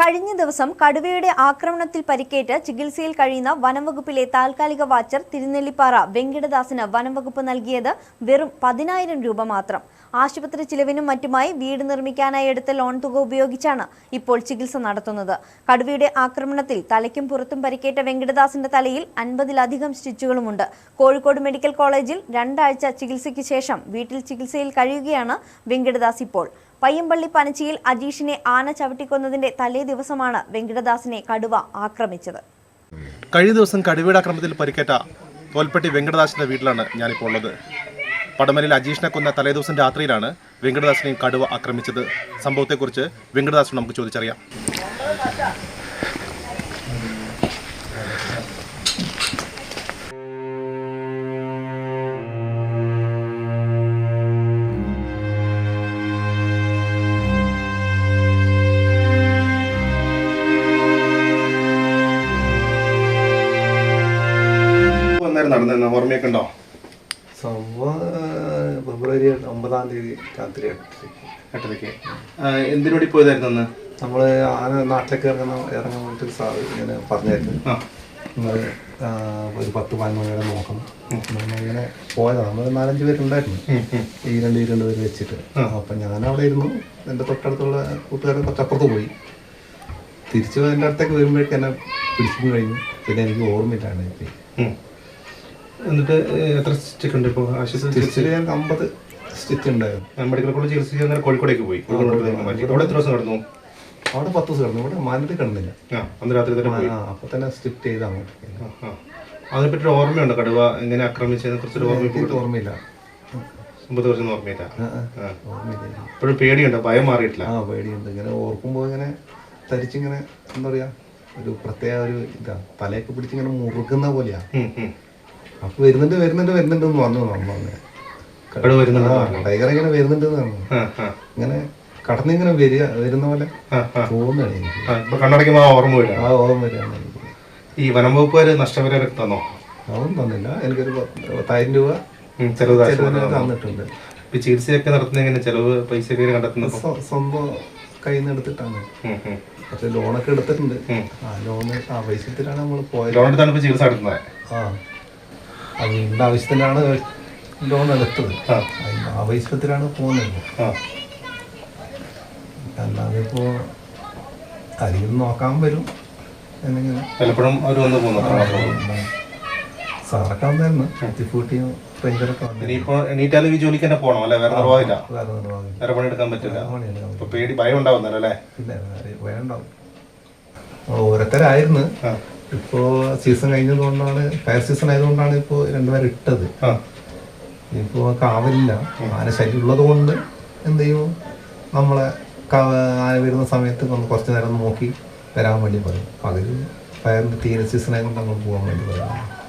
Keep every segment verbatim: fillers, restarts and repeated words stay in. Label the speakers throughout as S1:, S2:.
S1: കഴിഞ്ഞ ദിവസം കടുവയുടെ ആക്രമണത്തിൽ പരിക്കേറ്റ് ചികിത്സയിൽ കഴിയുന്ന വനംവകുപ്പിലെ താൽക്കാലിക വാച്ചർ തിരുനെല്ലിപ്പാറ വെങ്കിടദാസിന് വനംവകുപ്പ് നൽകിയത് വെറും പതിനായിരം രൂപ മാത്രം. ആശുപത്രി ചിലവിനും മറ്റുമായി വീട് നിർമ്മിക്കാനായി എടുത്ത ലോൺ തുക ഉപയോഗിച്ചാണ് ഇപ്പോൾ ചികിത്സ നടത്തുന്നത്. കടുവയുടെ ആക്രമണത്തിൽ തലയ്ക്കും പുറത്തും പരിക്കേറ്റ വെങ്കിടദാസിന്റെ തലയിൽ അൻപതിലധികം സ്റ്റിച്ചുകളുമുണ്ട്. കോഴിക്കോട് മെഡിക്കൽ കോളേജിൽ രണ്ടാഴ്ച ചികിത്സയ്ക്ക് ശേഷം വീട്ടിൽ ചികിത്സയിൽ കഴിയുകയാണ് വെങ്കിടദാസ് ഇപ്പോൾ. പയ്യമ്പള്ളി പനച്ചിയിൽ അജീഷിനെ ആന ചവിട്ടിക്കൊന്നതിന്റെ തലേ ദിവസമാണ് വെങ്കിടദാസിനെ കടുവ ആക്രമിച്ചത്.
S2: കഴിഞ്ഞ ദിവസം കടുവയുടെ ആക്രമണത്തിൽ പരിക്കേറ്റ തോൽപ്പെട്ടി വെങ്കിടദാസിന്റെ വീട്ടിലാണ് ഞാനിപ്പോൾ ഉള്ളത്. പടമലയിൽ അജീഷിനെ കൊന്ന തലേ ദിവസം രാത്രിയിലാണ് വെങ്കിടദാസിനെയും കടുവ ആക്രമിച്ചത്. സംഭവത്തെക്കുറിച്ച് വെങ്കിടദാസിനോട് നമുക്ക് ചോദിച്ചറിയാം. നടന്ന ഓർമ്മയൊക്കെ ഉണ്ടോ?
S3: സംഭവം ഫെബ്രുവരി ഒമ്പതാം തീയതി രാത്രി
S2: എട്ടരയ്ക്ക് എന്തിനോടി പോയതായിരുന്നു അന്ന്?
S3: നമ്മൾ ആന നാട്ടിലേക്ക് ഇറങ്ങുന്ന ഇറങ്ങാൻ വേണ്ടിയിട്ട് സാർ ഇങ്ങനെ പറഞ്ഞായിരുന്നു. നമ്മൾ ഒരു പത്ത് പതിനൊന്ന് മണിവരെ നോക്കണം. നമ്മളിങ്ങനെ പോയതാണ്. നമ്മൾ നാലഞ്ച് പേരുണ്ടായിരുന്നു, ഈ രണ്ട് ഈ രണ്ട് പേര് വെച്ചിട്ട്. അപ്പം ഞാനവിടെ ഇരുന്നു. എൻ്റെ തൊട്ടടുത്തുള്ള കൂട്ടുകാരൻ കുറച്ചപ്പുറത്ത് പോയി. തിരിച്ചു എൻ്റെ അടുത്തേക്ക് വരുമ്പോഴേക്കും എന്നെ പിടിച്ചിട്ട് കഴിഞ്ഞു. പിന്നെ എനിക്ക് ഓർമ്മയില്ലാണ് ഇപ്പം.
S2: എന്നിട്ട് എത്ര സ്റ്റിച്ച് ഉണ്ട് ഇപ്പോൾ?
S3: സ്റ്റിച്ചിൽ ഞങ്ങൾക്ക് അമ്പത് സ്റ്റിച്ച് ഉണ്ടായിരുന്നു.
S2: മെഡിക്കൽ കോളേജ് ചികിത്സിക്കാൻ നേരം കോഴിക്കോടേക്ക് പോയി. അവിടെ എത്ര ദിവസം കിടന്നു?
S3: അവിടെ പത്ത് ദിവസം കിടന്നു. ഇവിടെ മാനത്തിൽ കിടന്നില്ല.
S2: അന്ന് രാത്രി തന്നെ
S3: അപ്പൊ തന്നെ സ്റ്റിച്ച് ചെയ്ത് അങ്ങോട്ട്.
S2: അതിനെപ്പറ്റി ഓർമ്മയുണ്ടോ? കടുവ എങ്ങനെ ആക്രമിച്ചതിനെ കുറിച്ചൊരു ഓർമ്മ?
S3: ഓർമ്മയില്ല.
S2: അമ്പത് വർഷം ഓർമ്മയില്ല. ഇപ്പോഴും പേടിയുണ്ടോ? ഭയം മാറിയിട്ടില്ല?
S3: ആ പേടിയുണ്ട്. ഇങ്ങനെ ഓർക്കുമ്പോൾ ഇങ്ങനെ തരിച്ചിങ്ങനെ എന്താ പറയാ, ഒരു പ്രത്യേക ഒരു ഇതാ, തലയൊക്കെ പിടിച്ചിങ്ങനെ മുറുക്കുന്ന പോലെയാ. അപ്പൊ വരുന്നുണ്ട് വരുന്നുണ്ട് വരുന്നുണ്ട് എന്ന് പറഞ്ഞു നമ്മൾ. ടൈഗർ ഇങ്ങനെ വരുന്നുണ്ട് എന്ന് പറഞ്ഞു. ഇങ്ങനെ കടന്നിങ്ങനെ വരിക വരുന്ന പോലെ തോന്നുകയാണ് എനിക്ക്.
S2: ആ ഓർമ്മ വരിക.
S3: ആ ഓർമ്മ വരികയാണ് എനിക്ക്.
S2: ഈ വനം വകുപ്പുകാര് നഷ്ടപരിഹാരം തന്നോ?
S3: അതൊന്നും തന്നില്ല. എനിക്കൊരു പത്തായിരം രൂപ
S2: ചെലവ്
S3: തന്നിട്ടുണ്ട്.
S2: ചികിത്സയൊക്കെ നടത്തുന്ന ചെലവ് പൈസ കണ്ടെത്തുന്നത്
S3: സ്വന്തം കയ്യിൽ നിന്ന് എടുത്തിട്ടാണ്. പക്ഷെ ലോണൊക്കെ എടുത്തിട്ടുണ്ട്. ആ ലോണ് ആവശ്യത്തിലാണ് നമ്മൾ പോയത്.
S2: ലോൺ എടുത്താണ് ചികിത്സ നടത്തുന്നത്.
S3: ആ അത് വീടിൻ്റെ ആവശ്യത്തിനാണ് ലോൺ എടുത്തത്. അതിൻ്റെ ആവശ്യത്തിലാണ് പോകുന്നത്. അല്ലാതെ ഇപ്പോൾ അധികം നോക്കാൻ വരും എന്നിങ്ങനെ
S2: പലപ്പോഴും അവർ വന്ന് പോകുന്നു.
S3: സാറൊക്കെ വന്നായിരുന്നു. എത്തിഫൂട്ടിയും പെഞ്ചറൊക്കെ വന്നു.
S2: ഇനിയിപ്പോൾ എണീറ്റാലും ഈ ജോലിക്ക് തന്നെ പോകണം അല്ലേ? വേറെ നിർവാഹമില്ല.
S3: വേറെ നിർവാഹമില്ല.
S2: വേറെ പണിയെടുക്കാൻ പറ്റില്ല. ഇപ്പൊ പേടി ഭയം ഉണ്ടാവുന്നല്ലോ അല്ലേ?
S3: പിന്നെ ഭയം ഉണ്ടാവും. ഓരോരുത്തരായിരുന്നു. ഇപ്പോ സീസൺ കഴിഞ്ഞതുകൊണ്ടാണ്, ഫയർ സീസൺ ആയതുകൊണ്ടാണ് ഇപ്പോൾ രണ്ടുപേരും ഇട്ടത്. ഇപ്പോ കാവലില്ല. ആന ശല്യം ഉള്ളത് കൊണ്ട് എന്ത് ചെയ്യും, നമ്മളെ ആന വരുന്ന സമയത്ത് ഒന്ന് കുറച്ച് നേരം നോക്കി വരാൻ വേണ്ടി പറയും. പകൽ ഫയറിൻ്റെ തീരെ സീസൺ ആയതുകൊണ്ട് നമ്മൾ പോകാൻ വേണ്ടി പറയും.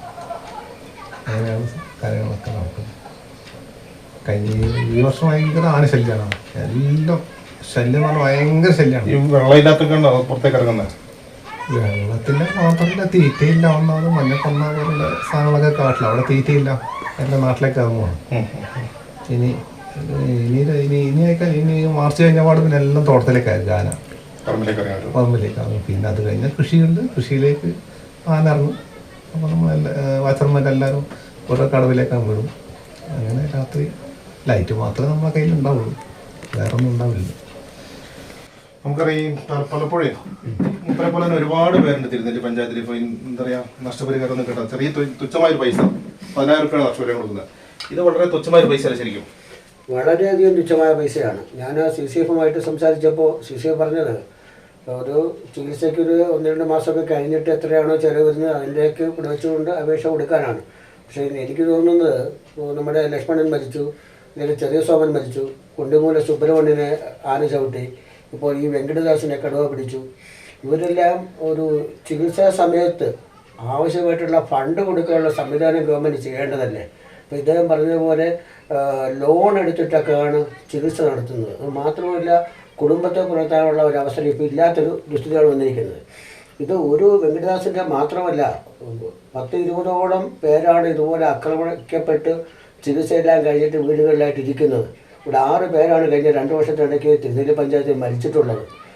S3: അങ്ങനെയാണ് കാര്യങ്ങളൊക്കെ നടക്കുന്നത്. കഴിഞ്ഞ ഈ വർഷം ഭയങ്കര ആന ശല്യമാണ്. എല്ലാം ശല്യം എന്ന് പറഞ്ഞാൽ ഭയങ്കര ശല്യമാണ്.
S2: വെള്ളമില്ലാത്തൊക്കെ പുറത്തേക്ക് ഇറങ്ങുന്നത്.
S3: വെള്ളത്തിൻ്റെ മാത്രമല്ല, തീറ്റയില്ല. ഒന്നാമത് മഞ്ഞക്കൊന്ന പോലുള്ള സാധനങ്ങളൊക്കെ കാട്ടില്ല. അവിടെ തീറ്റയില്ല. എൻ്റെ നാട്ടിലേക്ക് ഇറങ്ങുവാണ്. ഇനി ഇനി ഇനി ഇനി ആയിക്കാൻ ഇനി മാർച്ച് കഴിഞ്ഞ പാട് പിന്നെ എല്ലാം തോട്ടത്തിലേക്കായിരിക്കും ആന. പറമ്പിലേക്കാകും. പിന്നെ അത് കഴിഞ്ഞാൽ കൃഷിയുണ്ട്. കൃഷിയിലേക്ക് ആന ഇറങ്ങും. അപ്പോൾ നമ്മൾ എല്ലാ വാച്ചർമാരെല്ലാവരും ഓരോ കടവിലേക്കാണ് വിടും. അങ്ങനെ രാത്രി ലൈറ്റ് മാത്രമേ നമ്മളെ കയ്യിൽ ഉണ്ടാവുള്ളൂ, വേറെ ഒന്നും ഉണ്ടാവില്ല.
S2: നമുക്കറിയാം പലപ്പോഴേ മുപ്പരെ പോലെ തന്നെ ഒരുപാട് പേരുണ്ട് തിരുനെല്ലി പഞ്ചായത്തിൽ. ഇപ്പോൾ എന്താ പറയുക, നഷ്ടപരിഹാരം ഒന്നും കിട്ടാം. ചെറിയ തുച്ഛമായൊരു പൈസ, പതിനായിരം രൂപയാണ് നഷ്ടപരിഹാരം കൊടുക്കുന്നത്. ഇത് വളരെ തുച്ഛമായൊരു പൈസ അല്ല ശരിക്കും?
S4: വളരെയധികം തുച്ഛമായ പൈസയാണ്. ഞാൻ സി സി എഫുമായിട്ട് സംസാരിച്ചപ്പോൾ സി സി എഫ് പറഞ്ഞത് ഒരു ചികിത്സയ്ക്ക് ഒരു ഒന്ന് രണ്ട് മാസമൊക്കെ കഴിഞ്ഞിട്ട് എത്രയാണോ ചിലവ് വരുന്നത് അതിൻ്റെയൊക്കെ ഇവിടെ വെച്ചുകൊണ്ട് അപേക്ഷ കൊടുക്കാനാണ്. പക്ഷേ എനിക്ക് തോന്നുന്നത് നമ്മുടെ ലക്ഷ്മണൻ മരിച്ചു, ഇതിൽ ചെറിയ സോമൻ മരിച്ചു, കുണ്ടിമൂല സുബ്രഹ്മണ്യനെ ആന ചവിട്ടി, ഇപ്പോൾ ഈ വെങ്കടദാസിനെ കടുവ പിടിച്ചു. ഇവരെല്ലാം ഒരു ചികിത്സാ സമയത്ത് ആവശ്യമായിട്ടുള്ള ഫണ്ട് കൊടുക്കാനുള്ള സംവിധാനം ഗവൺമെൻറ് ചെയ്യേണ്ടതല്ലേ? അപ്പോൾ ഇദ്ദേഹം പറഞ്ഞതുപോലെ ലോൺ എടുത്തിട്ടൊക്കെയാണ് ചികിത്സ നടത്തുന്നത്. അത് മാത്രമല്ല, കുടുംബത്തെ പുലർത്താനുള്ള ഒരു അവസരം ഇപ്പോൾ ഇല്ലാത്തൊരു ദുസ്ഥിതിയാണ് വന്നിരിക്കുന്നത്. ഇത് ഒരു വെങ്കടദാസിൻ്റെ മാത്രമല്ല, പത്ത് ഇരുപതോളം പേരാണ് ഇതുപോലെ ആക്രമിക്കപ്പെട്ട് ചികിത്സയെല്ലാം കഴിഞ്ഞിട്ട് വീടുകളിലായിട്ട് ഇരിക്കുന്നത്. ഇവിടെ ആറ് പേരാണ് കഴിഞ്ഞ രണ്ട് വർഷത്തിനിടയ്ക്ക് തിരുനെല്ലി പഞ്ചായത്തിൽ മരിച്ചിട്ടുള്ളത്.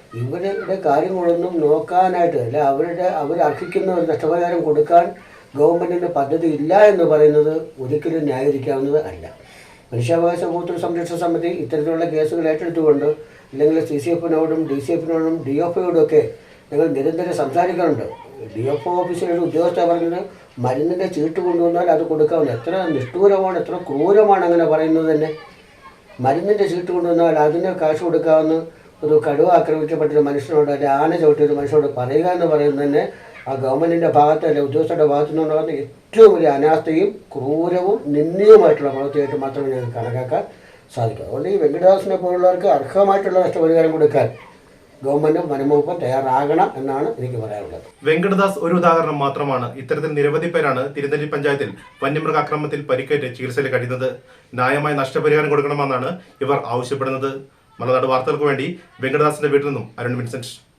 S4: ഇവരുടെ കാര്യങ്ങളൊന്നും നോക്കാനായിട്ട് അല്ല, അവരുടെ അവർ അർഹിക്കുന്ന ഒരു നഷ്ടപരിഹാരം കൊടുക്കാൻ ഗവൺമെൻറ്റിന് പദ്ധതി ഇല്ല എന്ന് പറയുന്നത് ഒരിക്കലും ന്യായീകരിക്കാവുന്നത് അല്ല. മനുഷ്യാവകാശ ഉപഭോക്തൃ സംരക്ഷണ സമിതി ഇത്തരത്തിലുള്ള കേസുകൾ ഏറ്റെടുത്തുകൊണ്ട് ഇല്ലെങ്കിൽ സി സി എഫിനോടും ഡി സി എഫിനോടും ഡി എഫ് ഒയോടും ഒക്കെ ഞങ്ങൾ നിരന്തരം സംസാരിക്കാറുണ്ട്. ഡി എഫ് ഒ ഓഫീസിലൊരു ഉദ്യോഗസ്ഥ പറഞ്ഞത് മരുന്നിൻ്റെ ചീട്ട് കൊണ്ടുവന്നാൽ അത് കൊടുക്കാവുന്ന. എത്ര നിഷ്ഠൂരമാണ്, എത്ര ക്രൂരമാണ് അങ്ങനെ പറയുന്നത് തന്നെ. മരുന്നിൻ്റെ ചീട്ട് കൊണ്ടുവന്നാൽ അതിന് കാശ് കൊടുക്കാമെന്ന് ഒരു കടുവ ആക്രമിക്കപ്പെട്ടൊരു മനുഷ്യനോട് അല്ലെങ്കിൽ ആന ചവിട്ടിയ ഒരു മനുഷ്യനോട് പറയുക എന്ന് പറയുന്നത് തന്നെ ആ ഗവൺമെൻറ്റിൻ്റെ ഭാഗത്ത് അല്ലെങ്കിൽ ഉദ്യോഗസ്ഥരുടെ ഭാഗത്തു നിന്നുള്ള പറഞ്ഞ ഏറ്റവും വലിയ അനാസ്ഥയും ക്രൂരവും നിന്ദ്യവുമായിട്ടുള്ള പ്രവൃത്തിയായിട്ട് മാത്രമേ ഞങ്ങൾക്ക് കണക്കാക്കാൻ സാധിക്കും. അതുകൊണ്ട് ഈ വെങ്കടദാസിനെ പോലുള്ളവർക്ക് അർഹമായിട്ടുള്ള നഷ്ടപരിഹാരം കൊടുക്കാൻ ഗവൺമെന്റും വനംവകുപ്പും തയ്യാറാകണം എന്നാണ് എനിക്ക് പറയാനുള്ളത്.
S2: വെങ്കടദാസ് ഒരു ഉദാഹരണം മാത്രമാണ്. ഇത്തരത്തിൽ നിരവധി പേരാണ് തിരുനെല്ലി പഞ്ചായത്തിൽ വന്യമൃഗാക്രമണത്തിൽ പരിക്കേറ്റ് ചികിത്സയിൽ കഴിയുന്നത്. ന്യായമായ നഷ്ടപരിഹാരം കൊടുക്കണമെന്നാണ് ഇവർ ആവശ്യപ്പെടുന്നത്. മലനാട് വാർത്തകൾക്ക് വേണ്ടി വെങ്കടദാസിന്റെ വീട്ടിൽ നിന്നും അരുൺ വിൻസെന്റ്.